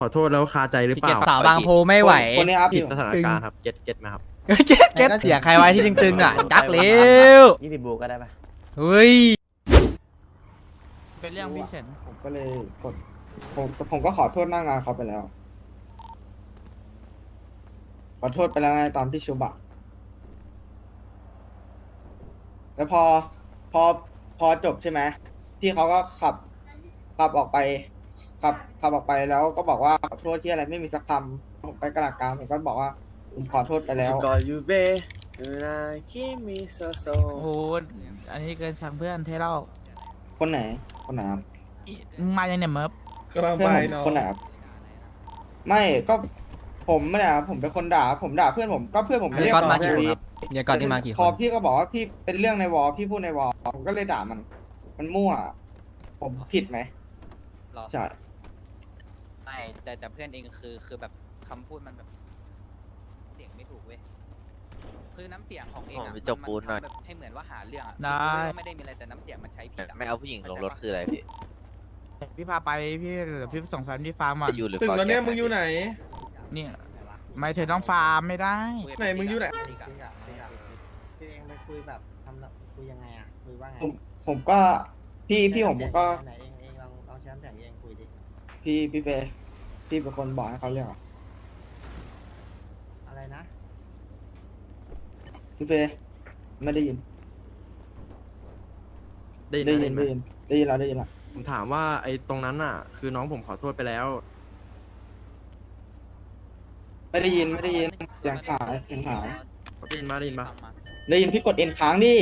ขอโทษแล้วคาใจหรือเปล่าสาวบางโพไม่ไหวคนนี้ครับผิดสถานการณ์ครับเก็ตไหมครับเก็ตเสียงใครไว้ที่ตึงๆอ่ะจักเร็ว 20 บูก็ได้ปะเฮ้ยเป็นเรื่องพี่เฉินผมก็เลยกดผมก็ขอโทษหน้างานเขาไปแล้ว ขอโทษไปแล้วไงตอนที่ชุบอะแล้วพอจบใช่ไหมพี่เขาก็ขับออกไปขับออกไปแล้วก็บอกว่าขอโทษที่อะไรไม่มีสักคำผมไปกระดาษกลางผมก็บอกว่าผมขอโทษไปแล้วโอ้โหอันนี้เกินช่างเพื่อนเทเล่าคนไหนครับมึงมายังเนี่ยเมิร์ฟเพื่อนผมคนไหนครับไม่ก็ผมไม่ได้ครับผมเป็นคนด่าผมด่าเพื่อนผมก็เพื่อนผมไม่เรียกก่อนมาผกี่คนดีครับเดี๋ยวก่อนที่มากี่คพอน พี่ก็บอกว่าพี่เป็นเรื่องในวอลพี่พูดในวอลผมก็เลยด่ามันมั่ว ผมผิดไหมหรอใช่ไม่แต่เพื่อนเองคือแบบคำพูดมันแบบเสียงไม่ถูกเว้ยคือน้ำเสียงของเองผมอะไปจกปูนหน่อยมัทำแบบให้เหมือนว่าหาเรื่องอะได้คือไม่ได้มีอะไรแต่น้ำเสียงมันใช้ผิดอะไม่เอาผู้หญิงลงรถคืออะไรพี่พี่พาไปพี่เดี๋ยวพี่ส่งแฟนที่ฟาร์มอ่ะจะอยู่หรือถึงฟอร์แล้วเนี่ยแกมึงอยู่ไหนเนี่ยไม่เธอต้องฟาร์มไม่ได้ไหนมึงอยู่ไหนพี่เองไปคุยแบบทำคุยยังไงอ่ะคุยว่าไงผมก็พี่ผมก็ไหนเองลองแชมป์แข่งเองคุยดิพี่เฟย์พี่เป็นคนบอกให้เขาเรียกเหรออะไรนะพี่เฟย์ไม่ได้ยินได้ยินได้ไหมยินได้ยินไหมได้ยินได้ยินแล้วผมถามว่าไอ้ตรงนั้นน่ะ คือน้องผมขอโทษไปแล้วไม่ได้ยินเสียงหายได้ยินมาได้ยินมาได้ยินพี่กดเอ็นค้างดิ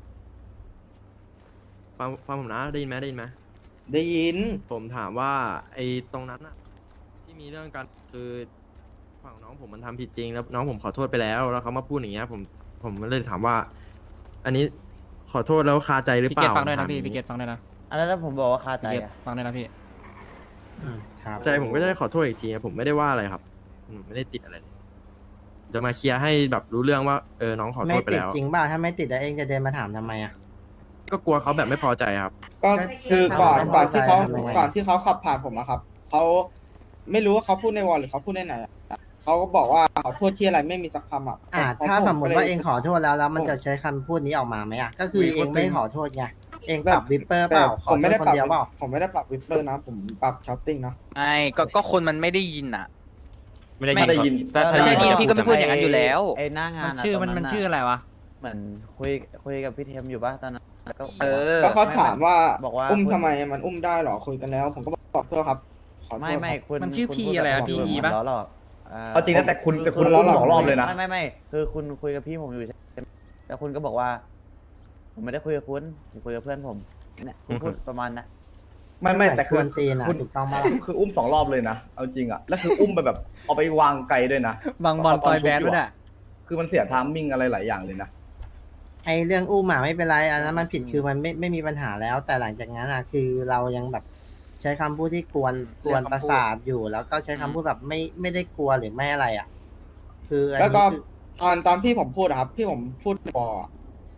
ฟังผมนะได้ยินไหมได้ยินไหมได้ยินผมถามว่าไอ้ตรงนั้นน่ะที่มีเรื่องกันคือฝั่งน้องผมมันทำผิดจริงแล้วน้องผมขอโทษไปแล้วแล้วเขามาพูดอย่างเงี้ยผมเลยถามว่า อันนี้ขอโทษแล้วคาใจหรือพี่เปเกตล่าฟังด้วยนะถามพี่อย่างพี่เกงี้ตฟังด้วยนะอะไรแล้วผมบอกว่าคาใจพี่เกตอ่ะฟังด้วยนะพี่ครับใจผมก็จะได้ขอโทษอีกทีผมไม่ได้ว่าอะไรครับผมไม่ได้ติดอะไรเลยจะมาเคลียร์ให้แบบรู้เรื่องว่าน้องขอโทไม่ษไปติดแล้วจริงป่ะถ้าไม่ติดแล้วเองจะเดินมาถามทำไมอ่ะก็กลัวเขาแบบไม่พอใจครับก็คือก่อนถ้าที่เขาทำไมก่อนที่เขาขับผ่านผมอะครับเขาไม่รู้ว่าเขาพูดในวอลหรือเขาพูดในไหนอะเขาก็บอกว่าขอโทษที่อะไรไม่มีสักคำอะถ้าสมมติว่าเองขอโทษแล้วมันจะใช้คำพูดนี้ออกมาไหมอ่ะก็คือเองไม่ขอโทษไงเองปรับวิปเปอร์เปล่าขอผมโทไม่ษได้คนปรับเดียวเปล่าผมไม่ได้ปรับวิปเปอร์นะ ผมปรับช้อปปิ้งนะไม่ก็คนมันไม่ได้ยินอะไม่ได้ยินถ้าได้ยินพี่ก็ไม่พูดอย่างนั้นอยู่แล้วไอ้หน้างานมันชื่อมันชื่ออะไรวะเหมือนคุยกับพี่เทมอยู่ป่ะตอนนั้นแล้วก็เออก็เขาถามว่าบอกว่าอุ้มทำไมมันอุ้มได้เหรอคุยกันแล้ว ผมก็บอกโทษครับขอโทษไม่ครับคุณมันชื่อคุณ P พูดอะไรอะแบบ PE ปะล้อหลอกเอาจริงนะแต่คุณคุณอุ้มเรา 2 รอบเลยนะไม่คือคุณคุยกับพี่ผมอยู่ใช่ไหมแล้วคุณก็บอกว่า ผมไม่ได้คุยกับคุณผมคุยกับเพื่อนผมเนี่ยคุณพูดประมาณนะไม่แต่คคือวรตีนอ่ะคุณถูกต้องมาคืออุ้ม2 รอบเลยนะเอาจริงอ่ะแล้วคืออุ้มไปแบบเอาไปวางไกลด้วยนะบางบอลต่อยแบดด้วยเนี่ยคือมันเสียไทามมิ่งอะไรหลายอย่างเลยนะไอเรื่องอุ้มอ่ะไม่เป็นไรอันนั้นมันผิดคือมันไม่มีปัญหาแล้ว แต่หลังจากนั้นอ่ะคือเรายังแบบใช้คำพูดที่กวนประสาทอยู่ แล้วก็ใช้คำพูดแบบไม่ได้กลัวหรือไม่อะไรอ่ะ คืออันแล้วก็นี้คือตอนที่ผมพูดอะครับที่ผมพูดในวอลอะ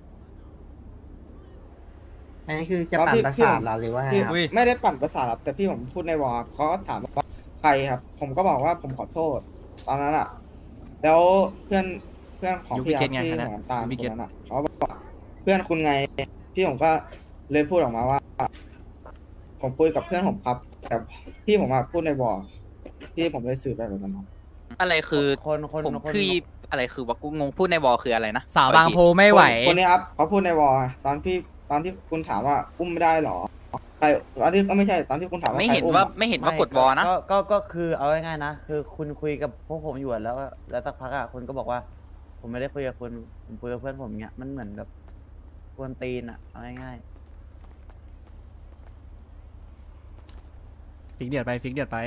อันนี้คือจะปั่นประสาทเหราหรือว่าไงพี่ครับไม่ได้ปั่นประสาทครับแต่พี่ผมพูดในวอลเขาก็ถามว่าใครครับ ผมก็บอกว่าผมขอโทษ ตอนนั้นอะแล้วเพื่อนของยูพี่บิคเกรัตบไงที่คณะเหมือนตามยูบิคเกตนนั้นอะเขาบอกว่าเพื่อนคุณไงพี่ผมก็เลยพูดออกมาว่า ผมคุยกับเพื่อนผมครับ แต่พี่ผมมาพูดในวอลพี่ผมเลยสื่อไปแบบนั้นครับอะไรคือคนผมคืออะไรคือว่ากูงงพูดในวอลคืออะไรนะสาวบางโพไม่ไหวคนนี้ครับเขาพูดในวอลตอนที่คุณถามว่าอุ้มไม่ได้หรอใครตอนที่ก็ไม่ใช่ตอนที่คุณถามว่าไม่ใครเห็นอุ้มว่าอะไม่เห็นว่ากดวอลนะก็คือเอาง่ายๆนะคือคุณคุยกับพวกผมอยู่อะแล้วสักพักอ่ะคุณก็บอกว่า ผมไม่ได้คุยกับคุณผมคุยกับเพื่อนผมเนี้ยมันเหมือนแบบกวนตีนอ่ะเอาง่ายฟิกเดือดไปฟิกเดือดไป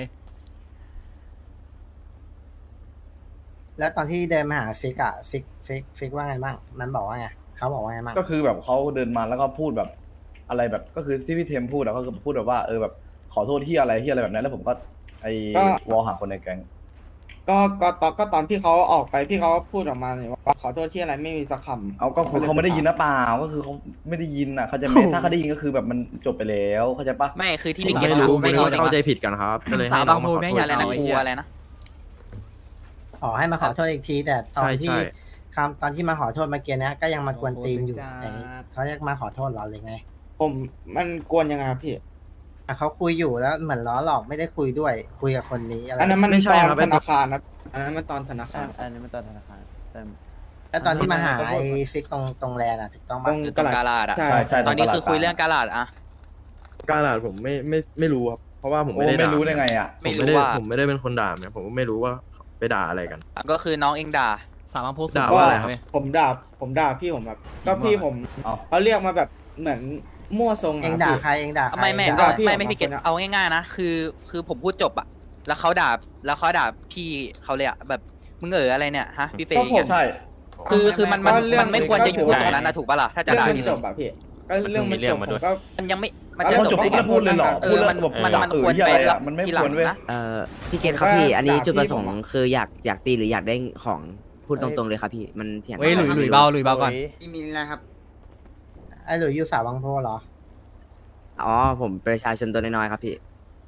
ๆแล้วตอนที่เดินมาหาฟิกอ่ะฟิกว่าไงบ้างมันบอกว่าไงเขาบอกว่าไงบ้างก็คือแบบเขาเดินมาแล้วก็พูดแบบอะไรแบบก็คือที่พี่เทมพูดอะก็คือพูดแบบว่าแบบขอโทษที่อะไรแบบนั้นแล้วผมก็ไอ้วอลหาคนในแก๊งก็ตอนที่เขาออกไปพี่เขาพูดออกมาเนี่ยว่าขอโทษที่อะไรไม่มีสักคำเอาก็คือเขาไม่ได้ยินนะเปล่าก็คือเขาไม่ได้ยินอ่ะเขาใจะไหมถ้าเขาได้ยินก็คือแบบมันจบไปแล้วเข้าใจปะไม่คือที่ผมพี่เกตไม่รู้ไม่ไม่รู้เข้าเข้าใจผิดกันครับก็เลยให้น้องมาขอโทษอะไรนะกูอะไรนะขอให้มาขอโทษอีกที แต่ตอนใช่ที่ใช่ตอนที่มาขอโทษเมื่อกี้เนี้ยก็ยังมากวนตีนอยู่อย่างนี้เขาเรียกมาขอโทษเราเลยไงผมมันกวนยังไงครับพี่อ่ะเขาคุยอยู่แล้วเหมือนล้อหลอกไม่ได้คุยด้วย คุยกับคนนี้อะไรอันนั้นมันไม่ใช่ตอนครับธนาคารนะอันนั้นมันตอนธนาคารอันนี้มันตอนธนาคารแต่แล้วตอนที่มาหาไอ้ฟิกตรงแลนด์อ่ะถูกต้องตปะรงคือตรงกาลาดอะใช่ใช่ตอนนี้คือคุยเรื่องกาลาดอะการหลาดผมไม่รู้ครับเพราะว่าผมโอ้ไม่ได้ไม่ด่ารู้ได้ไงอ่ะผมไม่ได้ผมไม่ได้เป็นคนด่าเนี่ยผมก็ไม่รู้ว่าไปด่าอะไรกันก็คือน้องเองด่าสามารถโพสต์ด่าว่าอะไรครับผมด่าพี่ผมแบบก็พี่ผมเอาเขาเรียกมาแบบเหมือนมั่วทรงเองอะด่าพี่ใครเองด่าใครไม่ด่าพี่ไม่ออกมาพี่เกตคนอะเอาง่ายๆนะคือผมพูดจบอะแล้วเขาด่าพี่เขาเลยอะแบบมึงอะไรเนี่ยฮะพี่เฟย์ก็ผมใช่คือมันก็เรื่องไม่ควรจะอยู่ตรงนั้นนะถูกปะล่ะถ้าจะเรื่องด่ามันพี่จบอะพี่ก็เรื่องมันจบผมก็มันยังไม่มันแล้จะวจจบบ ได้ปุ๊บไงแล้วพูดเลยเหรอเอพูดอแล้วมันแบบมันควรเหี้ยไปอะไรแล้อ่ะวมันไม่ทีหคลังวรเว้ยนะพี่เกตครับพี่ อันนี้ด่าจุดประสงค์พี่ผมอะคืออยากตีหรืออยากได้ของพูดตรงๆเลยครับพี่มันเถียงเฮ้ยหลุยเบาก่อนมีอะไรครับไอ้หลุยอยู่สาวบางโพเหรออ๋อผมประชาชนตัวน้อยๆครับพี่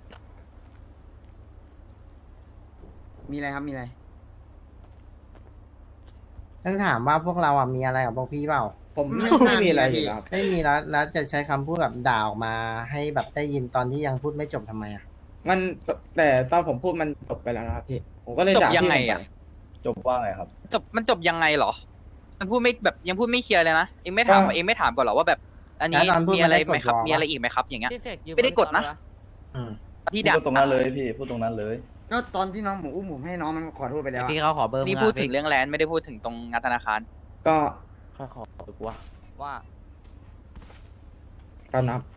มีอะไรครับมีอะไรต้องถามว่าพวกเราอ่ะมีอะไรกับพวกพี่เปล่าผมไม่มีอะไรอยู่แล้วครับไม่มีแล้วจะใช้คำพูดแบบด่าออกมาให้แบบได้ยินตอนที่ยังพูดไม่จบทำไมอ่ะมันแต่ตอนผมพูดมันจบไปแล้วนะครับพี่ผมก็เลยจบด่ายังพี่ไงผมอะไปจบว่าไงครับมันจบยังไงเหรอ มันพูดไม่แบบยังพูดไม่เคลียร์เลยนะเองไม่ถามเองไม่ถามก่อนเหรอว่าแบบ อันนี้แล้วตอนพูดมีอะไรไหมครับมันได้กดวอลมีอะไรอีกไหมครับ อย่างเงี้ยพี่เฟกยืไม่ได้กดนะอืมที่ด่าพูดตรงนั้นเลยพี่พูดตรงนั้นเลยก็ตอนที่น้องผมอุ้มผมให้น้องมันขอโทษไปแล้วอะพี่เขาขอเบอร์มึงนี่อะพูดถึงเรื่องแลนด์ไม่ได้พูดถึงตรงงานธนาคารก็ข้าขอดีกว่าว่าตามนับ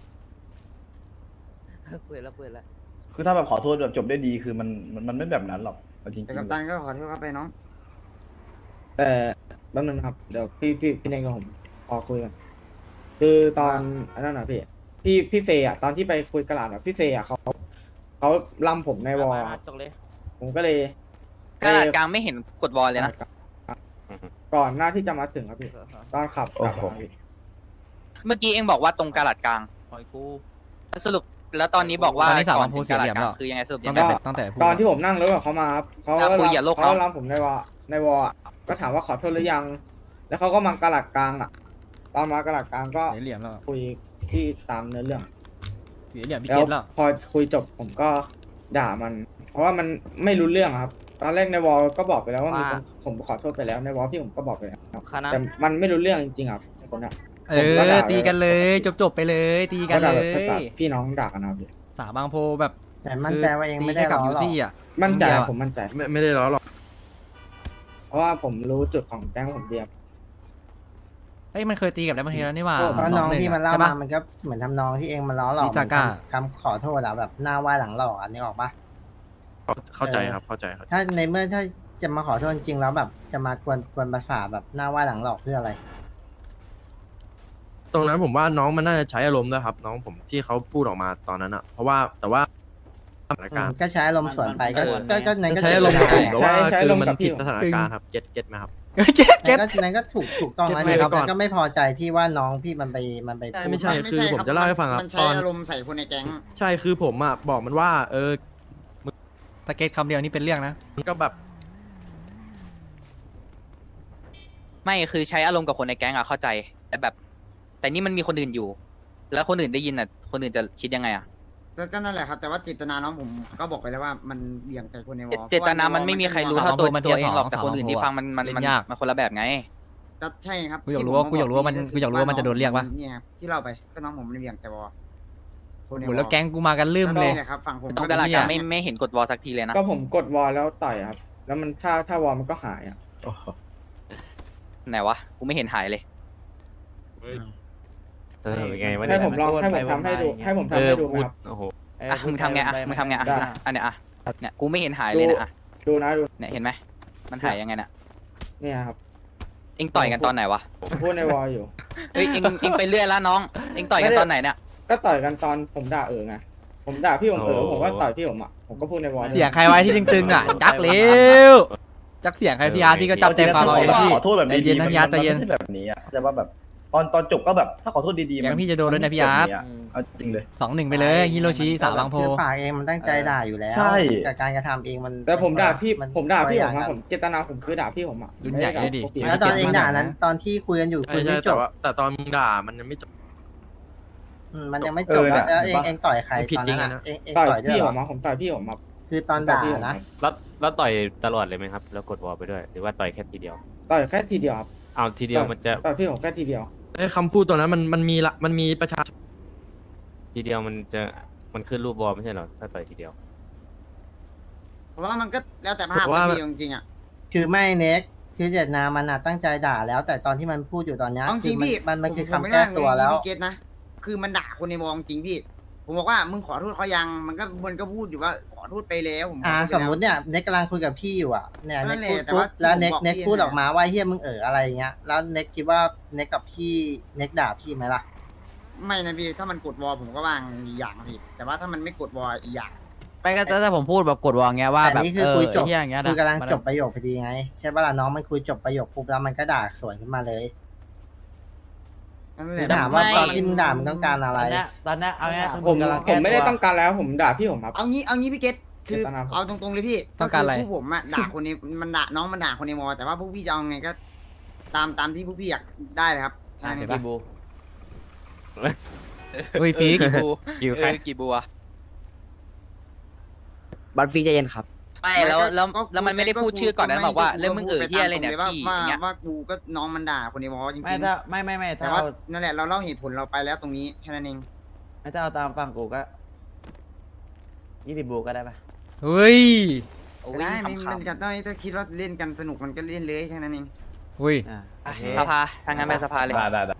คุยแล้วคือถ้าแบบขอโทษแบบจบได้ดีคือมันไม่แบบนั้นหรอกเอาจริงแต่กัปตันก็ขอโทษครับไปน้องแต่แป๊บนึงนะครับเดี๋ยวพี่เน่งกับผมขอคุยกันคือตอนอันนั้นนะพี่เฟย์อะตอนที่ไปคุยกระดาษอะพี่เฟย์อะเขาลำผมในวอลอะจบเลยผมก็เลยกระดาษกลางไม่เห็นกดวอลเลยนะก่อนหน้าที่จะมาถึงครับพี่ตอนขับกลับมาพี่เมื่อกี้เองบอกว่าตรงกระดาษกลางปล่อยกูสรุปแล้วตอนนี้บอกว่าตอนนี้สามารถก่พูดถึงกระดาษกลางเสียเหลี่ยมแล้วคือยังไงสรุปตั้ยัง งแต่ไงตั้งแต่พูดตอนที่ผมนั่งรถกับเขามาครับเขาคุยอย่าโลกเขาเนาะลำผมในวอลอะก็ถามว่าขอโทษหรือยัง แล้วเขาก็มากระดาษกลางอะตอนมากระดาษกลางก็เสียเหลี่ยมแล้วคุยที่ตามเนื้อเรื่องเสียเหลี่ยมพี่แล้เกวตแล้วพอคุยจบผมก็ด่ามัน เพราะว่ามันไม่รู้เรื่องครับ ตอนแรกในวอลก็บอกไปแล้วว่ามีคนผมขอโทษไปแล้วในวอลพี่ผมก็บอกไปแล้วคณะแต่มันไม่รู้เรื่องจริงๆครับคนน่ะเออตีกันเลยจบไปเลยตีกันเลก็ด่าแบบภาษาย พี่น้องด่ากันนะครับพี่สาบางโพแบบแต่มั่นใจว่าเองไม่ได้ตีแค่กับล้อยูหรอกซี่อ่ะมั่นใจเดียวอะผมมั่นใจไม่ได้ล้อหรอกเพราะว่าผมรู้จุดของแก๊งผมเดียวเอ้ยมันเคยตีกับแล้วมันทีแล้วนี่หว่าเพราะน้องที่มันเล่าใช่ปะมามันก็เหมือนทำนองที่เองมาล้อหลอกนิจาก้าคำขอโทษอะแบบหน้าไหว้หลังหลอกอันนี้ออกปะเข้าใจครับเข้าใจครับถ้าในเมื่อถ้าจะมาขอโทษจริงแล้วแบบจะมากวนประสาทแบบหน้าไหว้หลังหลอกเพื่ออะไรตรงนั้นผมว่าน้องมันน่าจะใช้อารมณ์ด้วยครับ น้องผมที่เขาพูดออกมาตอนนั้นอะเพราะว่าแต่ว่าสถานการณ์ก็ใช้อารมณ์ส่วนไปก็มันก็นั้นก็ใช้อารมณ์ได้ผมแต่ว่าใช้คืออารมณ์มันกับพี่ผิดสถานการณ์ครับเก็ตไหมครับเก็ตนั้นก็ถูกต้องแล้วเก็ตไว้ก่อนก็ไม่พอใจที่ว่าน้องพี่มันไปพูดไม่ใช่ คือผมจะเล่าให้ฟังครับมันใช้ตอนอารมณ์ใส่คนในแก๊งใช่คือผมอะบอกมันว่าตะเกตคำเดียวนี่เป็นเรื่องนะมันก็แบบไม่คือใช้อารมณ์กับคนในแก๊งอะเข้าใจ แต่แบบ แต่นี่มันมีคนอื่นอยู่ แล้วคนอื่นได้ยินอะคนอื่นจะคิดยังไงอะก็นั่นแหละครับ แต่ว่าเจตนาน้องผมก็บอกไปแล้วว่ามันเบี่ยงใส่คนในวอลเจตนามันไม่มีใครรู้เท่าตัวเองหรอกแต่คนอื่นที่ฟังมันเล่นยากมันคนละแบบไงก็ใช่ครับกูอยากรู้ว่ามันจะโดนเรียกปะเนี่ยครับที่เราไปก็น้องผมมันเบี่ยงใส่วอลคนในโหวอลแล้วแก๊งกูมากันลืมเลยก็นี่แหะครับฝั่งผมตรงกระดาษกลางไม่เห็นกดวอลสักทีเลยนะก็ผมกดวอลแล้วต่อยครับ แล้วมันถ้าวอลมันก็หายอ่ะไหนวะ กูไม่เห็นหายเลยไงวะให้ผมลองให้ผมทำให้ดูให้ผมทำให้ดูไหมครับโอ้โหอ่ะมึงทำไงอ่ะมึงทำไงอ่ะได้อันเนี้ยอ่ะเนี่ยกูไม่เห็นหายเลยนะอ่ะดูนะดูเนี่ยเห็นไหมมันหายยังไงน่ะเนี่ยครับเอ็งต่อยกันตอนไหนวะผมพูดในวอลอยู่เฮ้ยเอ็งไปเรื่อยแล้วน้องเอ็งต่อยกันตอนไหนเนี่ยก็ต่อยกันตอนผมด่าไงผมด่าพี่ผมผมก็ต่อยพี่ผมอ่ะผมก็พูดในวอลเสียงใครไว้ที่ตึงๆอ่ะจักเร็วจักเสียงใครพี่อาร์ตพี่ก็จำใจความเอาเองพี่ขอโทษแบบใจเย็นนะพี่อาร์ตใจเย็นมันไม่ใช่แบบนี้อะแต่ว่าแบบตอนจบก็แบบถ้าขอโทษดีๆยังพี่จะโดนด้วยนะพี่อาร์ตเอาจริงเลย 2-1ไปเลยฮิโรชิสาวบางโพคือปากเองมันตั้งใจด่าอยู่แล้วใช่แต่การกระทำเองมันแต่ผมด่าพี่นผมด่าพี่คผนมละนะอย่งผมเจตนาผมคือด่าพี่ผมอ่ะรุ่นใหญ่เลยดิไม่ได้ด่าแล้วตอนเองด่านั้นตอนที่คุยกันอยู่ใช่คุยใช่ไม่จแต่บว่าแต่ตอนมึงด่ามันยังไม่จบมันยังไม่จบแล้วแล้วเองต่อยใครผิดตอนจรินั้งนอะอะเองต่อยต่อยด้วยพี่เหผรอมมาผมต่อยพี่ผมมาคือตอนด่านะแล้วต่อยตลอดเลยไหมครับ แล้วกดวอลไปด้วย หรือว่าต่อยแค่ทีเดียวต่อยแค่ทีเดียวครับเอาทีเดียวมันจะต่อยพี่ผมแค่ทีเดียวไอ้คำพูดตัวนั้นมันมีประชาชนทีเดียวมันขึ้นรูปวอลไม่ใช่เหรอ ถ้าต่อยทีเดียวผมว่ามันก็แล้วแต่ภาพผมว่าพี่จริงๆอ่ะคือไม่เน็กคือเจตนามันอะตั้งใจด่าแล้ว แต่ตอนที่มันพูดอยู่ตอนเนี้ยเอาจริงคือพี่มันคือผคำไม่แก้ได้ตัวแล้วพี่เกตนะคือมันด่าคนในวงจริงพี่ ผมบอกว่ามึงขอโทษเขายังมันก็พูดอยู่ว่าขอโทษไปแล้วผมขอโทษไปสมแล้วมุติเนี่ยเน็กกำลังคุยกับพี่อยู่อ่ะเนี่ยนั่เน็กนแหละพูดแต่ปุ๊ว่าบแล้วที่ผมบอกเน็กพี่พูดเนี่ยออกมาว่าเฮียมึงอะไรอย่างเงี้ยแล้วเน็กคิดว่าเน็กกับพี่เน็กด่าพี่ไหมล่ะไม่นะพี่ถ้ามันกดวอลผมก็วางอีกอย่างพี่แต่ว่าถ้ามันไม่กดวอลอีกอย่างไปก็ถ้าผมพูดแบบกดวางเงี้ยว่าแต่แบบนี่คือคุยจบไอ้เหี้ยอย่างเงี้ยนะคือกำลังมันจบประโยคพอดีไงใช่ป่ะล่ะน้องมันคุยจบประโยคปุ๊บแล้วมันก็ด่าสวนขึ้นมาเลยนั่นแหคือละถามว่าตอนที่มึงด่ามึงต้องการอะไรตอนเนี้ยเอาง่ายๆคือผมกำลังผแก้มไม่ได้ตัวต้องการแล้วผมด่าพี่ผมครับเอางี้พี่เกตคือเจตนาผมเอาตรงๆเลยพี่ต้องการอะไรคืผู้ผมอะด่าคนนี้มันด่าน้องมันด่าคนในวอลแต่ว่าพวกพี่จะเอาไงก็ ตามที่พวกพี่อยากได้เลยครับเห็นปะกี่บูเฮ้ยฟิกกี่บูกี่ใครกี่บูอะบัตรฟรีใจเย็นครับไม่แล้วมันไม่ได้พูดชื่อก่อนนะบอกว่าเรื่องมึงเหี้ยอะไรเนี่ยว่าพี่ว่าอย่างเงี้ยว่ากูก็น้องมันด่าคนในวอลจริงไม่ถ้าไม่ๆแต่ถ้าว่าเอานั่นแหละเราเล่าเหตุผลเราไปแล้วตรงนี้แค่นั้นเองไม่ถ้าเอาตามฟังกูก็20บูก็ได้ปะเฮ้ยได้ไม่มันก็ได้ถ้าคิดว่าเล่นกันสนุกมันก็เล่นเลยแค่นั้นเองเฮ้ยอ่าอ่ะสภาทางนั้นไปสภาเลยได้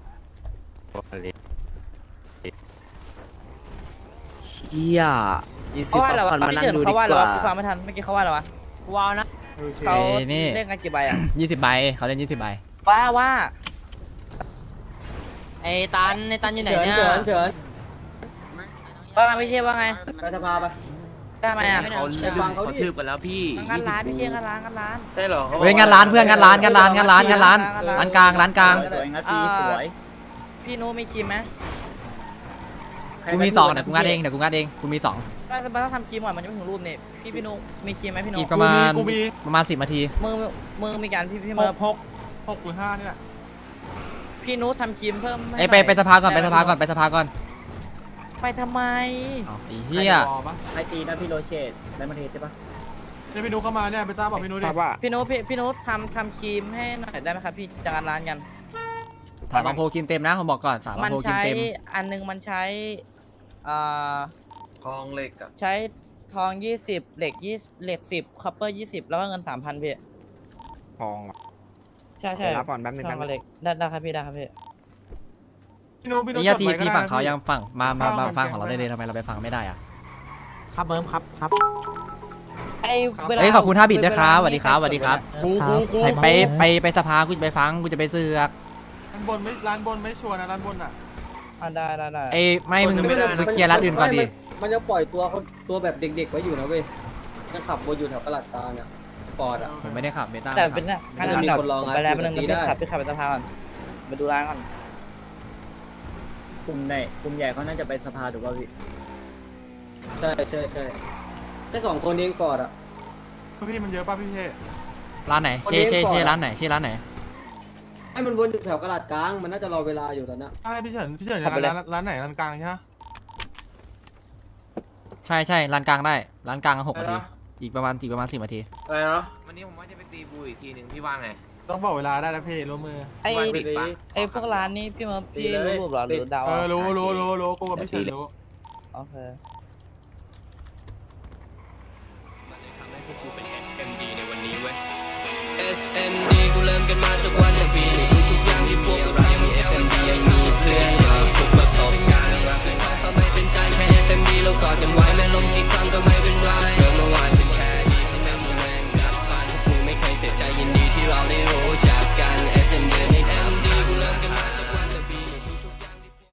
เฮียอีเพซิราะว่าอะไรวะฟันมาพี่นั่งเฉินดูดีเขาว่าอะไรกวะว่ากูฟังไม่ทันเมื่อกี้เขาว่าอะไรวะว้าวนะเขาเอ้ยนี่เล่นกันกี่ใบอ่ะ 20 ใบเขาเล่น20 ใบว่าไอ้ตันอยู่ไหนเนี่ยว่าไงพี่เชฟว่าไงไปสภาไปได้ไหมอ่ะเขาทืบกันแล้วพี่งานร้านพี่เชฟงานร้านใช่เหรอเฮ้ยงานร้านเพื่อนงานร้านร้านกลางร้านกลางพี่นุมีครีมไหมกูมี2เดี๋ยวกูงัดเองกูมี2 มันต้องทำครีมก่อนมันจะไม่ถึงรูปนี่พี่นุมีครีมไหมพี่นุอีกประมาณ10 นาทีมือมีการพี่เมอร์6 หรือ 5เนี่ยพี่นุทำครีมเพิ่มไอ้ไปสภาก่อนไปสภาก่อนไปทำไมอ้าวไอ้เหี้ยใครตีนะพี่โรเชตได้มาเทใช่ปะพี่นุทำครีมให้หน่อยได้ไหมครับพี่จากร้านกันสามบางโพกินเต็มนะผมบอกก่อนสามบางมันโพกินใช้เต็มอันนึงมันใช้ทองเหล็กอะใช้ทอง20เหล็ก10คัพเปอร์20แล้วก็เงิน 3,000พี่ทองใช่รับก่อนแป๊บนึงทองกับเหล็กได้ครับพี่ได้ครับพี่นี่ทีฝั่งเขายังฝั่งมาฟังของเราได้เลยทำไมเราไปฟังไม่ได้อะครับเบิ้มครับไอ้เวลาเฮ้ยขอบคุณ5 บิตด้วยครับสวัสดีครับ ไปสภากูจะไปฟังกูจะไปเสือกร้านบนไม่ชัวร์นะร้านบนอ่ะได้ไอ้ไม่มึงเคลียร์ร้านอื่นก่อนดิมันจะปล่อยตัวแบบเด็กๆไว้อยู่นะเว้ยยังขับวนอยู่แถวกระหลัดกลางอ่ะปอดอ่ะผมไม่ได้ขับเบต้าแต่เป็นเนี่ยไม่มีคนรองไปแล้วเป็นนึงได้พี่ขับไปสภาก่อนไปดูร้านก่อนกลุ่มใหญ่เขาน่าจะไปสภาถูกป่ะพี่ใช่แค่2 คนเองปอดอ่ะพี่มันเยอะป่ะพี่เชร้านไหนเช่ร้านไหนชื่อร้านไหนให้มันวนอยู่แถวกระหลัดกลางมันน่าจะรอเวลาอยู่ตอนนี้ใช่พี่เฉินร้านไหนร้านกลางใช่ไหมใช่ร้านกลางได้ร้านกลาง6 นาทีอีกประมาณ10 นาทีอะไรเนาะวันนี้ผมว่าจะไปตีบูอีกทีหนึ่งพี่ว่าไงต้องบอกเวลาได้แล้วพี่ร่วมมือไอ้พวกร้านนี้พี่มาพี่รู้รูปหรอหรือเดารู้กูกับพี่เฉินรู้โอเคทำให้พวกกูเป็น SMD ในวันนี้เว้ย SMD